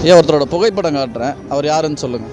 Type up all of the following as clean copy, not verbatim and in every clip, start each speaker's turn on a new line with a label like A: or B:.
A: ஒருத்தரோட புகைப்படம் காட்டுறேன், அவர் யாருன்னு சொல்லுங்கள்.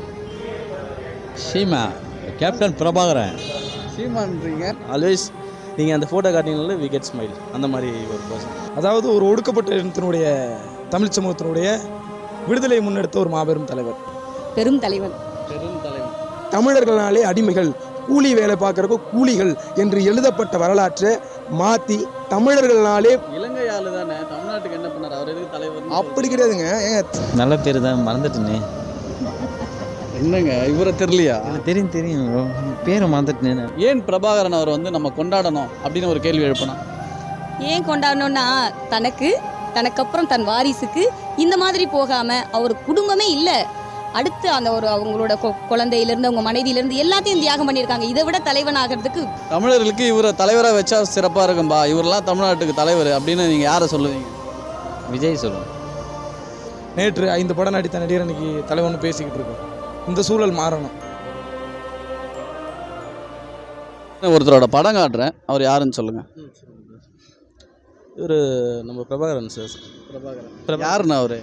B: சீமா, கேப்டன் பிரபாகரன்.
A: சீமான்றீங்க.
B: ஆல்வேஸ் நீங்கள் அந்த ஃபோட்டோ காட்டினால வி கெட் ஸ்மைல், அந்த மாதிரி ஒரு பர்சன்.
C: அதாவது ஒரு ஒடுக்கப்பட்ட இனத்தினுடைய தமிழ் சமூகத்தினுடைய விடுதலை முன்னெடுத்த ஒரு மாபெரும் தலைவர்,
D: பெரும் தலைவன்.
C: தமிழர்களாலே அடிமைகள், கூலி வேலை பார்க்கறக்கோ கூலிகள் என்று எழுதப்பட்ட வரலாற்றை மாற்றி தமிழர்களாலே
A: இலங்கை ஆளு தானே, தமிழ்நாட்டுக்கு என்ன பண்ணார், அவர் எதுக்கு தலைவர்?
C: அப்படி கிடையாதுங்க. ஏங்க
B: நல்ல பேர் தான், மறந்துட்டேனே.
A: என்னங்க இவரை தெரியலையா?
B: தெரியும் பேரை மறந்துட்டேனே.
A: ஏன் பிரபாகரன் அவர் வந்து நம்ம கொண்டாடணும் அப்படின்னு ஒரு கேள்வி எழுப்பணும்.
D: ஏன் கொண்டாடணும்னா தனக்கப்புறம் தன் வாரிசுக்கு இந்த மாதிரி போகாம அவர் குடும்பமே இல்லை, அடுத்து அந்த ஒரு அவங்களோட குழந்தையிலேருந்து அவங்க மனைவியிலேருந்து எல்லாத்தையும் தியாகம் பண்ணியிருக்காங்க. இதை விட தலைவன் ஆகிறதுக்கு
A: தமிழர்களுக்கு இவரை தலைவராக வச்சா சிறப்பாக இருக்கும்பா, இவரெல்லாம் தமிழ்நாட்டுக்கு தலைவர் அப்படின்னு நீங்கள் யாரை சொல்லுவீங்க?
B: விஜய் சொல்லுவோம்.
C: நேற்று 5 படம் நடித்த நடிகர் இன்னைக்கு தலைவன் பேசிக்கிட்டு இருக்கோம். இந்த சூழல் மாறணும்.
A: ஒருத்தரோட படம் காட்டுறேன், அவர் யாருன்னு சொல்லுங்கள்.
B: இவர் நம்ம பிரபாகரன் சார்.
A: பிரபாகரன் யாருன்னு அவர்?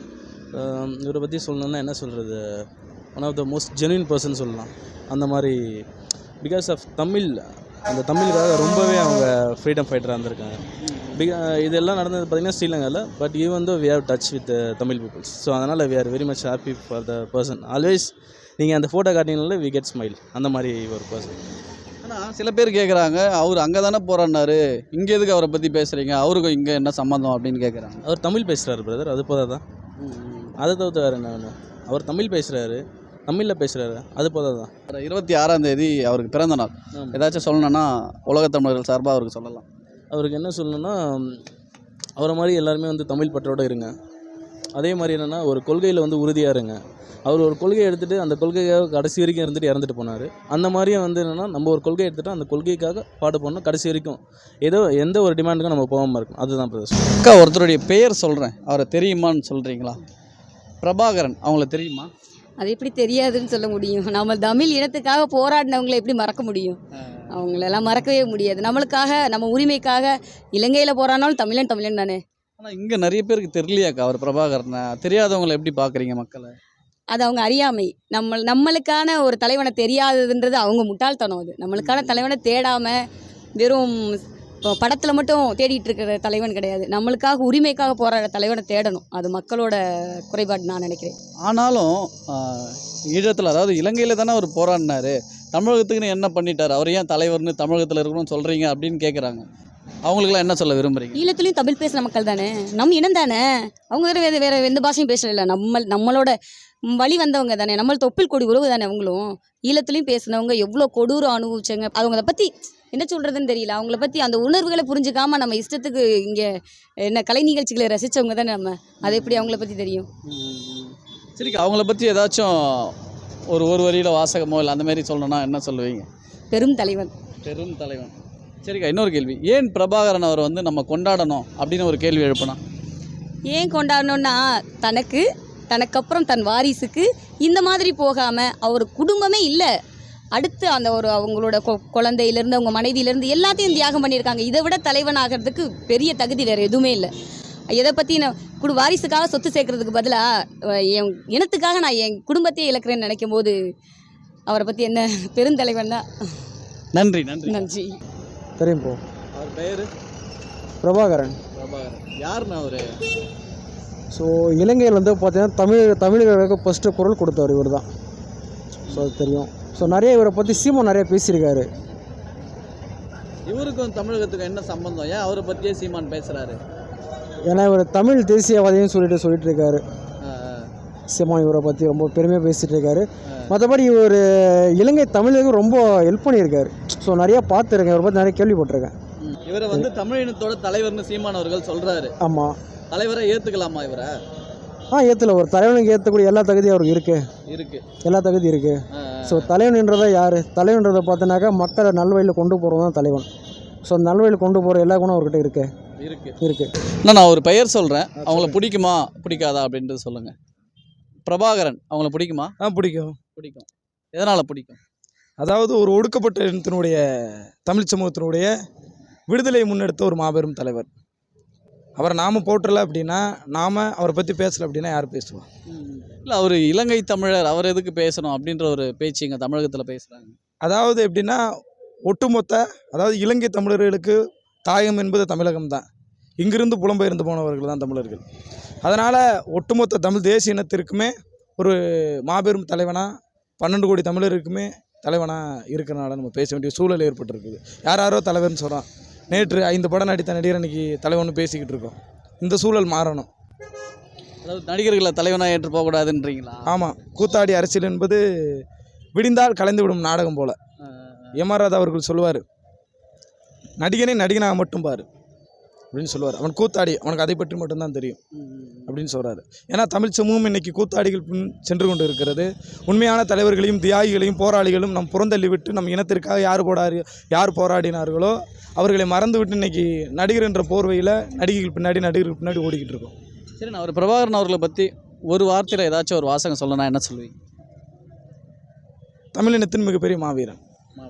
B: இவரை பற்றி சொல்லணுன்னா என்ன சொல்கிறது, one of the most genuine person சொல்லலாம். அந்த மாதிரி பிகாஸ் ஆஃப் அந்த தமிழுக்காக ரொம்பவே அவங்க ஃப்ரீடம் ஃபைட்டராக இருந்திருக்காங்க. இதெல்லாம் நடந்தது பார்த்திங்கன்னா ஸ்ரீலங்காவில். But even though we have touch with Tamil peoples. So அதனால் we are very much happy for the person. Always நீங்கள் அந்த ஃபோட்டோ காட்டினால வி கெட் ஸ்மைல், அந்த மாதிரி ஒரு பர்சன்.
A: ஆனால் சில பேர் கேட்குறாங்க, அவர் அங்கே தானே போகிறாரு, இங்கே எதுக்கு அவரை பற்றி பேசுகிறீங்க, அவருக்கும் இங்கே என்ன சம்மந்தம் அப்படின்னு கேட்குறாங்க.
B: அவர் தமிழ் பேசுகிறாரு பிரதர், அது போதா தான். அதை தவிர்த்து வேறு என்ன வேணும்? அவர் தமிழ் பேசுகிறாரு, தமிழில் பேசுகிறாரு, அது போதா தான்.
A: 26ஆம் தேதி அவருக்கு பிறந்த நாள். ஏதாச்சும் சொல்லணுன்னா உலகத் தமிழர்கள் சார்பாக அவருக்கு சொல்லலாம்.
B: அவருக்கு என்ன சொல்லணுன்னா, அவரை மாதிரி எல்லாருமே வந்து தமிழ் பற்றோடு இருங்க. அதே மாதிரி என்னென்னா ஒரு கொள்கையில் வந்து உறுதியாக இருங்க. அவர் ஒரு கொள்கையை எடுத்துகிட்டு அந்த கொள்கைக்காக கடைசி வரைக்கும் இருந்துட்டு இறந்துட்டு போனார். அந்த மாதிரியே வந்து என்னென்னா நம்ம ஒரு கொள்கையை எடுத்துகிட்டு அந்த கொள்கைக்காக பாடுபடணும், கடைசி வரைக்கும் எந்த ஒரு டிமாண்டுக்கும் நம்ம போகாமல் இருக்கணும். அதுதான் பிரதர்.
A: அக்கா, ஒருத்தருடைய பெயர் சொல்கிறேன், அவரை தெரியுமான்னு சொல்கிறீங்களா? பிரபாகரன், அவங்கள தெரியுமா?
D: அது எப்படி தெரியாதுன்னு சொல்ல முடியும்? நம்ம தமிழ் இனத்துக்காக போராடினவங்களை எப்படி மறக்க முடியும்? அவங்களெல்லாம் மறக்கவே முடியாது. நம்மளுக்காக, நம்ம உரிமைக்காக இலங்கையில் போராடினாலும் தமிழன் தானே.
A: ஆனால் இங்கே நிறைய பேருக்கு தெரியலையாக்கா அவர் பிரபாகரனை. தெரியாதவங்களை எப்படி பார்க்குறீங்க மக்களை?
D: அது அவங்க அறியாமை. நம்மளுக்கான ஒரு தலைவனை தெரியாததுன்றது அவங்க முட்டாள்தனம். அது நம்மளுக்கான தலைவனை தேடாமல் வெறும் படத்தில் மட்டும் தேடிட்டு இருக்கிற தலைவன் கிடையாது. நம்மளுக்காக உரிமைக்காக போராடுற தலைவனை தேடணும். அது மக்களோட குறைபாடு நான் நினைக்கிறேன்.
A: ஆனாலும் ஈழத்தில், அதாவது இலங்கையில் தானே அவர் போராடினார், தமிழகத்துக்குன்னு என்ன பண்ணிட்டார், அவர் ஏன் தலைவர்னு தமிழகத்தில் இருக்கணும்னு சொல்கிறீங்க அப்படின்னு கேட்குறாங்க. அவங்களுக்குலாம் என்ன சொல்ல விரும்புகிறீங்க?
D: ஈழத்துலேயும் தமிழ் பேசுகிற மக்கள் தானே, நம்ம இனம் தானே. அவங்க வேறு எந்த பாஷையும் பேசல. நம்மளோட வழி வந்தவங்க தானே, நம்மள தொப்பில் கொடி உறவு தானே அவங்களும். ஈழத்துலேயும் பேசினவங்க எவ்வளோ கொடூரம் அனுபவிச்சாங்க. அவங்க அதை பற்றி என்ன சொல்கிறதுன்னு தெரியல. அவங்கள பற்றி அந்த உணர்வுகளை புரிஞ்சுக்காமல் நம்ம இஷ்டத்துக்கு இங்கே என்ன கலை நிகழ்ச்சிகளை ரசித்தவங்க தானே நம்ம. அது எப்படி அவங்கள பற்றி தெரியும்?
A: சரி, அவங்கள பற்றி ஏதாச்சும் ஒரு வரியில் வாசகமோ இல்லை அந்த மாதிரி சொல்லணும்னா என்ன சொல்லுவீங்க?
D: பெரும் தலைவன்.
A: சரிக்கா, இன்னொரு கேள்வி. ஏன் பிரபாகரன் அவர் வந்து நம்ம கொண்டாடணும் அப்படின்னு ஒரு கேள்வி எழுப்பினா?
D: ஏன் கொண்டாடணும்னா தனக்கப்புறம் தன் வாரிசுக்கு இந்த மாதிரி போகாமல் அவர் குடும்பமே இல்லை, அடுத்து அந்த ஒரு அவங்களோட குழந்தையிலேருந்து அவங்க மனைவியிலேருந்து எல்லாத்தையும் தியாகம் பண்ணியிருக்காங்க. இதை விட தலைவன் ஆகிறதுக்கு பெரிய தகுதி வேறு எதுவுமே இல்லை. எதை பற்றி நான் வாரிசுக்காக சொத்து சேர்க்கறதுக்கு பதிலாக என் இனத்துக்காக நான் என் குடும்பத்தையே இழக்கிறேன்னு நினைக்கும் போது அவரை பற்றி என்ன பெருந்தலைவன் தான்.
A: நன்றி.
C: தெரியும் போ.
A: அவர் பெயர்
C: பிரபாகரன்.
A: யாருன்னு அவர்?
C: ஸோ இலங்கையில் வந்து பார்த்தீங்கன்னா தமிழர்களுக்கு ஃபஸ்ட்டு குரல் கொடுத்தவர் இவர் தான். ஸோ அது தெரியும். ஸோ நிறைய இவரை பற்றி சீமான் நிறைய பேசியிருக்காரு.
A: இவருக்கும் தமிழகத்துக்கும் என்ன சம்பந்தம்? ஏன் அவரை பற்றியே சீமான் பேசுகிறாரு?
C: ஏன்னா இவர் தமிழ் தேசியவாதின்னு சொல்லிட்டு இருக்காரு. சீமான் இவரை பற்றி ரொம்ப பெருமையாக பேசிகிட்டு இருக்காரு. மற்றபடி இவர் இலங்கை தமிழுக்கு ரொம்ப ஹெல்ப் பண்ணியிருக்காரு. ஸோ நிறையா பார்த்துருக்கேன், இவரை பற்றி நிறைய கேள்விப்பட்டிருக்கேன்.
A: இவரை வந்து தமிழ் இனத்தோட தலைவர்னு சீமான் அவர்கள் சொல்கிறாரு.
C: ஆமாம்.
A: தலைவரை ஏற்றுக்கலாமா இவரை?
C: ஏற்றல. ஒரு தலைவனுக்கு ஏற்றக்கூடிய எல்லா தகுதியும் அவருக்கு இருக்குது. எல்லா தகுதி இருக்குது. ஸோ தலைவன்ன்றதை யார்? தலைவன்றதை பார்த்தோன்னாக்கா மக்களை நல்வழியில் கொண்டு போகிறவங்க தான் தலைவன். ஸோ நல்வழியில் கொண்டு போகிற எல்லா குணம் அவர்கிட்ட இருக்குது.
A: நான் ஒரு பெயர் சொல்கிறேன், அவங்கள பிடிக்குமா பிடிக்காதா அப்படின்றது சொல்லுங்கள். பிரபாகரன், அவங்கள பிடிக்குமா?
C: பிடிக்கும்.
A: எதனால் பிடிக்கும்?
C: அதாவது ஒரு ஒடுக்கப்பட்ட இனத்தினுடைய தமிழ் சமூகத்தினுடைய விடுதலை முன்னெடுத்த ஒரு மாபெரும் தலைவர்.
E: அவரை நாம் போற்றலை அப்படின்னா, நாம் அவரை பற்றி பேசலை அப்படின்னா யார் பேசுவோம்?
A: இல்லை அவர் இலங்கை தமிழர், அவர் எதுக்கு பேசணும் அப்படின்ற ஒரு பேச்சு இங்கே தமிழகத்தில் பேசுகிறாங்க.
E: அதாவது எப்படின்னா, ஒட்டுமொத்த அதாவது இலங்கை தமிழர்களுக்கு தாயம் என்பது தமிழகம் தான். இங்கிருந்து புலம்பெயர்ந்து போனவர்கள் தான் தமிழர்கள். அதனால் ஒட்டுமொத்த தமிழ் தேசிய இனத்திற்குமே ஒரு மாபெரும் தலைவனாக 12 கோடி தமிழருக்குமே தலைவனாக இருக்கிறனால நம்ம பேச வேண்டிய சூழல் ஏற்பட்டிருக்குது. யாரோ தலைவர்னு சொல்கிறான். நேற்று 5 படம் நடித்த நடிகர் இன்றைக்கி தலைவன் பேசிக்கிட்டு இருக்கோம். இந்த சூழல் மாறணும்.
A: அதாவது நடிகர்களை தலைவனாக ஏற்று போகக்கூடாதுன்றீங்களா?
E: ஆமாம், கூத்தாடி அரசியல் என்பது விடிந்தால் கலைந்து விடும் நாடகம் போல். எம்.ஆர். ராதா அவர்கள் சொல்லுவார், நடிகனை நடிகனாக மட்டும் பாரு அப்படின்னு சொல்லுவார். அவன் கூத்தாடி, அவனுக்கு அதை பற்றி மட்டும்தான் தெரியும் அப்படின்னு சொல்கிறாரு. ஏன்னா தமிழ் சமூகம் இன்றைக்கி கூத்தாடிகள் பின் சென்று கொண்டு இருக்கிறது. உண்மையான தலைவர்களையும் தியாகிகளையும் போராளிகளும் நம் புறந்தள்ளி விட்டு நம் இனத்திற்காக யார் போராடினார்களோ அவர்களை மறந்து விட்டு இன்றைக்கி நடிகர் என்ற போர்வையில் நடிகர்கள் பின்னாடி ஓடிக்கிட்டு இருக்கோம்.
A: சரி, நான் பிரபாகரன் அவர்களை பற்றி ஒரு வார்த்தையில் ஏதாச்சும் ஒரு வாசகம் சொல்லணும்னா என்ன சொல்லுவீங்க?
E: தமிழினத்தின் மிகப்பெரிய மாவீரன்.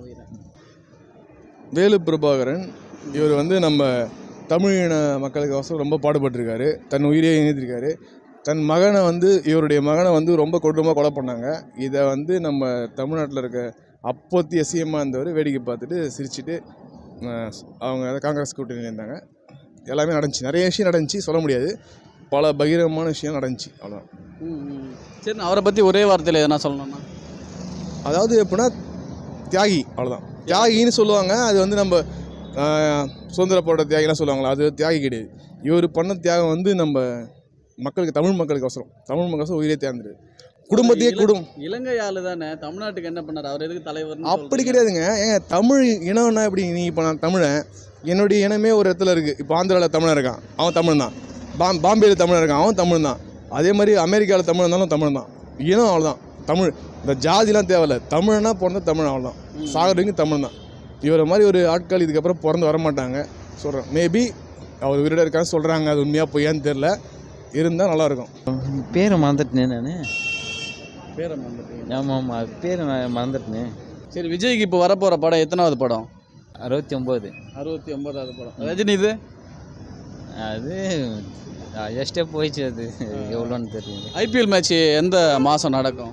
F: வேலு பிரபாகரன் இவர் நம்ம தமிழின மக்களுக்கோசரம் ரொம்ப பாடுபட்டிருக்காரு. தன் உயிரை இணைத்திருக்காரு. தன் மகனை இவருடைய மகனை ரொம்ப கொடூரமாக கொலை பண்ணாங்க. இதை நம்ம தமிழ்நாட்டில் இருக்க அப்போத்தி எஸ்சிஎம்மாக இருந்தவர் வேடிக்கை பார்த்துட்டு சிரிச்சுட்டு அவங்க காங்கிரஸ் கூட்டணியில் இருந்தாங்க. எல்லாமே நடந்துச்சு, நிறைய விஷயம் நடந்துச்சு, சொல்ல முடியாது. பல பகிரங்கமான விஷயம் நடந்துச்சு, அவ்வளோதான்.
A: சரி, அவரை பற்றி ஒரே வார்த்தையில் எதனா சொல்லணும்னா,
F: அதாவது எப்படின்னா தியாகி, அவ்வளோதான். தியாகின்னு சொல்லுவாங்க. அது நம்ம சுதந்திர போராட்ட தியாகிலாம் சொல்லுவாங்களா, அது தியாகி கிடையாது. இவர் பண்ண தியாகம் நம்ம மக்களுக்கு, தமிழ் மக்களுக்கோசரம் உயிரே தியாகிரு. குடும்பத்தையே
A: இலங்கை ஆளு தானே, தமிழ்நாட்டுக்கு என்ன பண்ணார்? அவர் எதுக்கு தலைவர்?
F: அப்படி கிடையாதுங்க. ஏங்க, தமிழ் இனம்னா எப்படி? நீ இப்போ நான் தமிழன், என்னுடைய இனமே ஒரு இடத்துல இருக்குது. இப்போ ஆந்திராவில் தமிழன் இருக்கான், அவன் தமிழ் தான். பாம்பேயில் தமிழன் இருக்கான், அவன் தமிழ் தான். அதே மாதிரி அமெரிக்காவில் தமிழ் இருந்தாலும் தமிழ் தான். இனம் அவ்வளோதான். தமிழ், இந்த ஜாதிலாம் தேவையில்ல. தமிழ்னா பிறந்த தமிழ், அவ்வளோதான். சாகரங்க தமிழ் தான். இவரை மாதிரி ஒரு ஆட்கள் இதுக்கப்புறம் பிறந்து வரமாட்டாங்க சொல்கிறேன். மேபி அவர் உயிரோட இருக்கான்னு சொல்கிறாங்க, அது உண்மையாக பொய்யான்னு தெரில. இருந்தால் நல்லாயிருக்கும்.
G: பேரை மறந்துட்டேன் நான்.
A: பேரை மறந்துட்டேன்.
G: ஆமாம், பேர் மறந்துட்டேன்.
A: சரி, விஜய்க்கு இப்போ வரப்போகிற படம் எத்தனாவது படம்?
G: 69.
A: 69வது படம். ரஜினி இது
G: அது எஸ்டே போயிடுச்சு. அது எவ்வளோன்னு தெரியல.
A: ஐபிஎல் மேட்ச் எந்த மாதம் நடக்கும்?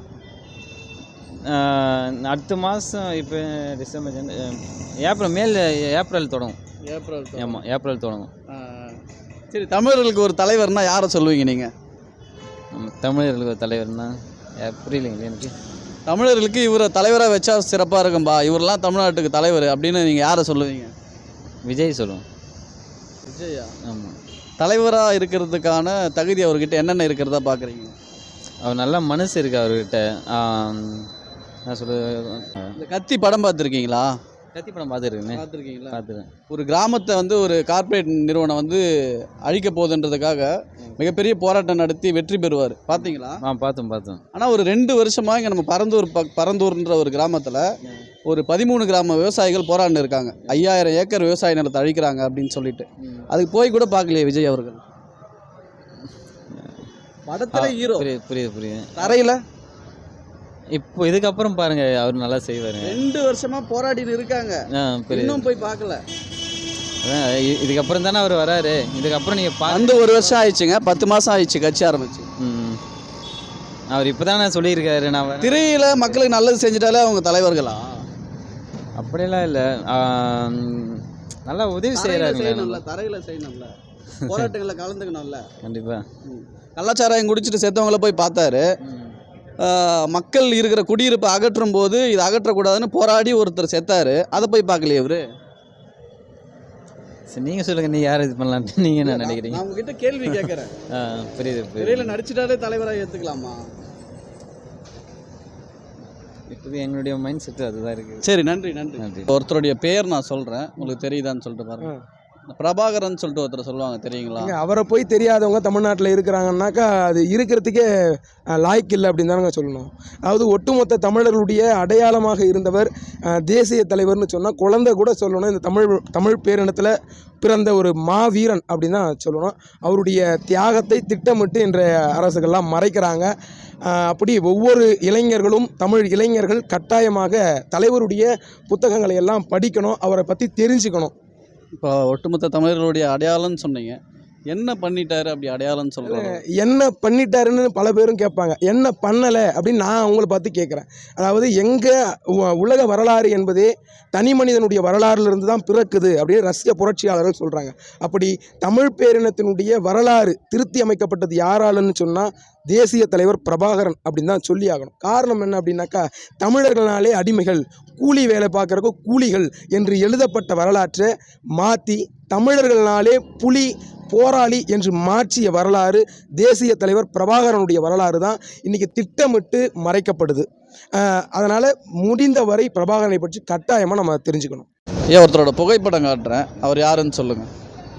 G: அடுத்த மாதம். இப்போ டிசம்பர், ஏப்ரல் தொடங்கும். ஆமாம், ஏப்ரல் தொடங்கும்.
A: சரி, தமிழர்களுக்கு ஒரு தலைவர்னா யாரை சொல்லுவீங்க நீங்கள்?
G: தமிழர்களுக்கு ஒரு தலைவர்னா புரியலைங்களே எனக்கு.
A: தமிழர்களுக்கு இவரை தலைவராக வச்சா சிறப்பாக இருக்கும்பா, இவரெல்லாம் தமிழ்நாட்டுக்கு தலைவர் அப்படின்னு நீங்கள் யாரை சொல்லுவீங்க?
G: விஜய் சொல்லுவோம்.
A: விஜயா?
G: ஆமாம்.
A: தலைவராக இருக்கிறதுக்கான தகுதி அவர்கிட்ட என்னென்ன இருக்கிறதா பார்க்குறீங்க?
G: அவர் நல்ல மனசு இருக்குது அவர்கிட்ட. நான்
A: இந்த கத்தி படம் பார்த்துருக்கீங்களா?
G: கத்தி படம் பார்த்துருக்கீங்களா? பார்த்துருக்கேன்.
A: ஒரு கிராமத்தை ஒரு கார்ப்பரேட் நிறுவனம் அழிக்க போகுதுன்றதுக்காக மிகப்பெரிய போராட்டம் நடத்தி வெற்றி பெறுவார். பார்த்தீங்களா?
G: பார்த்தோம். ஆனால்
A: ஒரு 2 வருஷமாக இங்கே நம்ம பரந்தூர்ன்ற ஒரு கிராமத்தில் ஒரு 13 கிராம விவசாயிகள் போராடின்னு இருக்காங்க. 5000 ஏக்கர் விவசாய நிலத்தை அழிக்கிறாங்க அப்படின்னு சொல்லிட்டு. அதுக்கு போய் கூட பார்க்கலையே விஜய் அவர்கள். படத்துல ஹீரோ.
G: புரியுது.
A: தரையில்
G: இப்போ இதுக்கப்புறம் பாருங்க, அவர் நல்லா செய்வார்.
A: 2 வருஷமா போராடின்னு இருக்காங்க, இன்னும் போய் பார்க்கல.
G: அதான் இதுக்கப்புறம் தானே அவர் வராரு. இதுக்கப்புறம் நீங்கள்
A: அந்த 1 வருஷம் ஆயிடுச்சுங்க, 10 மாதம் ஆயிடுச்சு கட்சி ஆரம்பிச்சு.
G: அவர் இப்போ தானே சொல்லியிருக்காரு, நான்
A: திரையில் மக்களுக்கு நல்லது செஞ்சுட்டாலே அவங்க தலைவர்களா?
G: அப்படியெல்லாம் இல்லை, நல்லா உதவி செய்கிறாரு.
A: தரையில் செய்யணும்ல, போராட்டங்களில் கலந்துக்கணும்ல.
G: கண்டிப்பாக.
A: கள்ளச்சாராயம் குடிச்சிட்டு செத்தவங்கள போய் பார்த்தாரு. மக்கள் இருக்கிற குடியிருப்பை அகற்றும் போது இதை அகற்றக்கூடாதுன்னு போராடி ஒருத்தர் செத்தாரு. அதை போய் பார்க்கலையே இவரு.
G: சரி, நீங்கள் சொல்லுங்கள், நீங்கள் யார் இது பண்ணலான்ட்டு நீங்கள் என்ன நினைக்கிறீங்க?
A: நான் உங்ககிட்ட கேள்வி கேட்குறேன்.
G: புரியுது.
A: திரையில் நடிச்சிட்டாலே தலைவராக ஏற்றுக்கலாமா?
G: இப்போ எங்களுடைய மைண்ட் செட்டு அதுதான் இருக்குது.
A: சரி, நன்றி. ஒருத்தருடைய பேர் நான் சொல்கிறேன், உங்களுக்கு தெரியுதான்னு சொல்லிட்டு பாருங்க. பிரபாகரன் சொல்லிட்டு ஒருத்தர் சொல்லுவாங்க, தெரியுங்களா?
C: அவரை போய் தெரியாதவங்க தமிழ்நாட்டில் இருக்கிறாங்கன்னாக்கா அது இருக்கிறதுக்கே லாய்க்கு இல்லை அப்படின்னு தானங்க சொல்லணும். அதாவது ஒட்டுமொத்த தமிழர்களுடைய அடையாளமாக இருந்தவர், தேசிய தலைவர்னு சொன்னால் குழந்தை கூட சொல்லணும். இந்த தமிழ் பேரினத்தில் பிறந்த ஒரு மாவீரன் அப்படின்னு தான் சொல்லணும். அவருடைய தியாகத்தை திட்டமிட்டு இன்றைய அரசுகள்லாம் மறைக்கிறாங்க. அப்படி ஒவ்வொரு இளைஞர்களும், தமிழ் இளைஞர்கள் கட்டாயமாக தலைவருடைய புத்தகங்களை எல்லாம் படிக்கணும், அவரை பற்றி தெரிஞ்சுக்கணும்.
A: இப்போ ஒட்டுமொத்த தமிழர்களுடைய அடையாளம்னு சொன்னீங்க. என்ன பண்ணிட்டாரு அப்படி அடையாளம்னு சொல்கிறாங்க?
E: என்ன பண்ணிட்டாருன்னு பல பேரும் கேட்பாங்க. என்ன பண்ணலை அப்படின்னு நான் அவங்கள பார்த்து கேட்குறேன். அதாவது உலக வரலாறு என்பதே தனி மனிதனுடைய வரலாறுலேருந்து தான் பிறக்குது அப்படின்னு ரஷ்ய புரட்சியாளர்கள் சொல்கிறாங்க. அப்படி தமிழ் பேரினத்தினுடைய வரலாறு திருத்தி அமைக்கப்பட்டது யாராலன்னு சொன்னால் தேசிய தலைவர் பிரபாகரன் அப்படின்னு தான் சொல்லி ஆகணும். காரணம் என்ன அப்படின்னாக்கா, தமிழர்களாலே அடிமைகள், கூலி வேலை பார்க்குறக்கு கூலிகள் என்று எழுதப்பட்ட வரலாற்றை மாற்றி தமிழர்களாலே புலி போராளி என்று மாற்றிய வரலாறு தேசிய தலைவர் பிரபாகரனுடைய வரலாறு தான் இன்றைக்கி திட்டமிட்டு மறைக்கப்படுது. அதனால் முடிந்தவரை பிரபாகரனை பற்றி கட்டாயமாக நம்ம தெரிஞ்சுக்கணும்.
A: ஏன் ஒருத்தரோட புகைப்படம் காட்டுறேன், அவர் யாருன்னு சொல்லுங்கள்.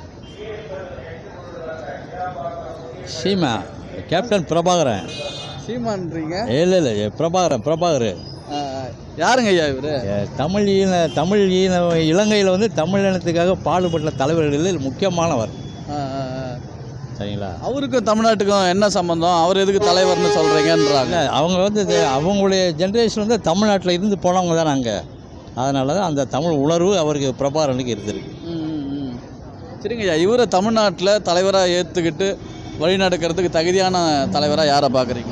H: சீமா, கேப்டன் பிரபாகரன்.
A: சீமான்றீங்க?
H: இல்லை பிரபாகர்
A: யாருங்க ஐயா இவர்?
H: தமிழ் இலங்கையில் வந்து தமிழ் இனத்துக்காக பாடுபட்ட தலைவர்களில் முக்கியமானவர். சரிங்களா?
A: அவருக்கும் தமிழ்நாட்டுக்கும் என்ன சம்பந்தம்? அவர் எதுக்கு தலைவர்னு சொல்கிறீங்கன்றாங்க.
H: அவங்க வந்து அவங்களுடைய ஜென்ரேஷன் வந்து தமிழ்நாட்டில் இருந்து போனவங்க தான் நாங்கள். அதனால தான் அந்த தமிழ் உணர்வு அவருக்கு பிரபாகரனுக்கு இருந்திருக்கு.
A: சரிங்க ஐயா, இவரை தமிழ்நாட்டில் தலைவராக ஏற்றுக்கிட்டு வழிநடக்கிறதுக்கு தகுதியான தலைவராக யாரை பார்க்குறீங்க?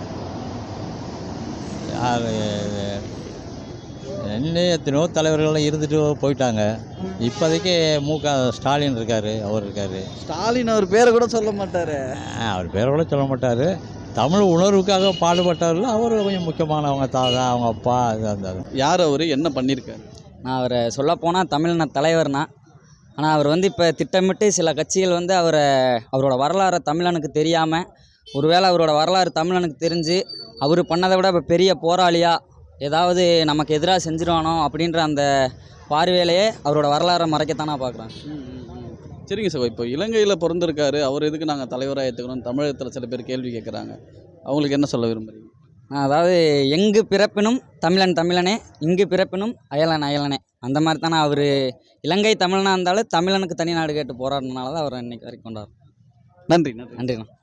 H: எத்தனையோ தலைவர்கள்லாம் இருந்துட்டு போயிட்டாங்க. இப்போதைக்கு ஸ்டாலின் இருக்கார். அவர் இருக்கார்.
A: ஸ்டாலின் அவர் பேரை கூட சொல்ல மாட்டார்.
H: அவர் பேரை கூட சொல்ல மாட்டார். தமிழ் உணர்வுக்காக பாடுபட்டவர்கள் அவர் கொஞ்சம் முக்கியமானவங்க. தாத்தா, அவங்க அப்பா, இது அந்த
A: யார் அவர், என்ன பண்ணியிருக்காரு?
I: நான் அவரை சொல்லப்போனால் தமிழ்நாடு தலைவர்னா, ஆனால் அவர் வந்து இப்போ திட்டமிட்டு சில கட்சிகள் வந்து அவரோட வரலாறை தமிழனுக்கு தெரியாமல், ஒருவேளை அவரோட வரலாறு தமிழனுக்கு தெரிஞ்சு அவர் பண்ணதை விட இப்போ பெரிய போராளியாக ஏதாவது நமக்கு எதிராக செஞ்சிருவானோ அப்படின்ற அந்த பார்வையிலேயே அவரோட வரலாறை மறைக்கத்தான் நான் பார்க்குறேன்.
A: சரிங்க சார், இப்போ இலங்கையில் பிறந்திருக்காரு, அவர் எதுக்கு நாங்கள் தலைவராக ஏற்றுக்கணும் தமிழகத்தில் சில பேர் கேள்வி கேட்குறாங்க. அவங்களுக்கு என்ன சொல்ல விரும்புகிறீங்க?
I: அதாவது எங்கு பிறப்பினும் தமிழனே, இங்கு பிறப்பினும் அயலனே, அந்த மாதிரி தானே அவர் இலங்கை தமிழனாக இருந்தாலும் தமிழனுக்கு தனி நாடு கேட்டு போராடினால தான் அவர் இன்னைக்கு வரைக்கும் கொண்டாடுறோம்.
A: நன்றி.
I: நன்றிண்ணா.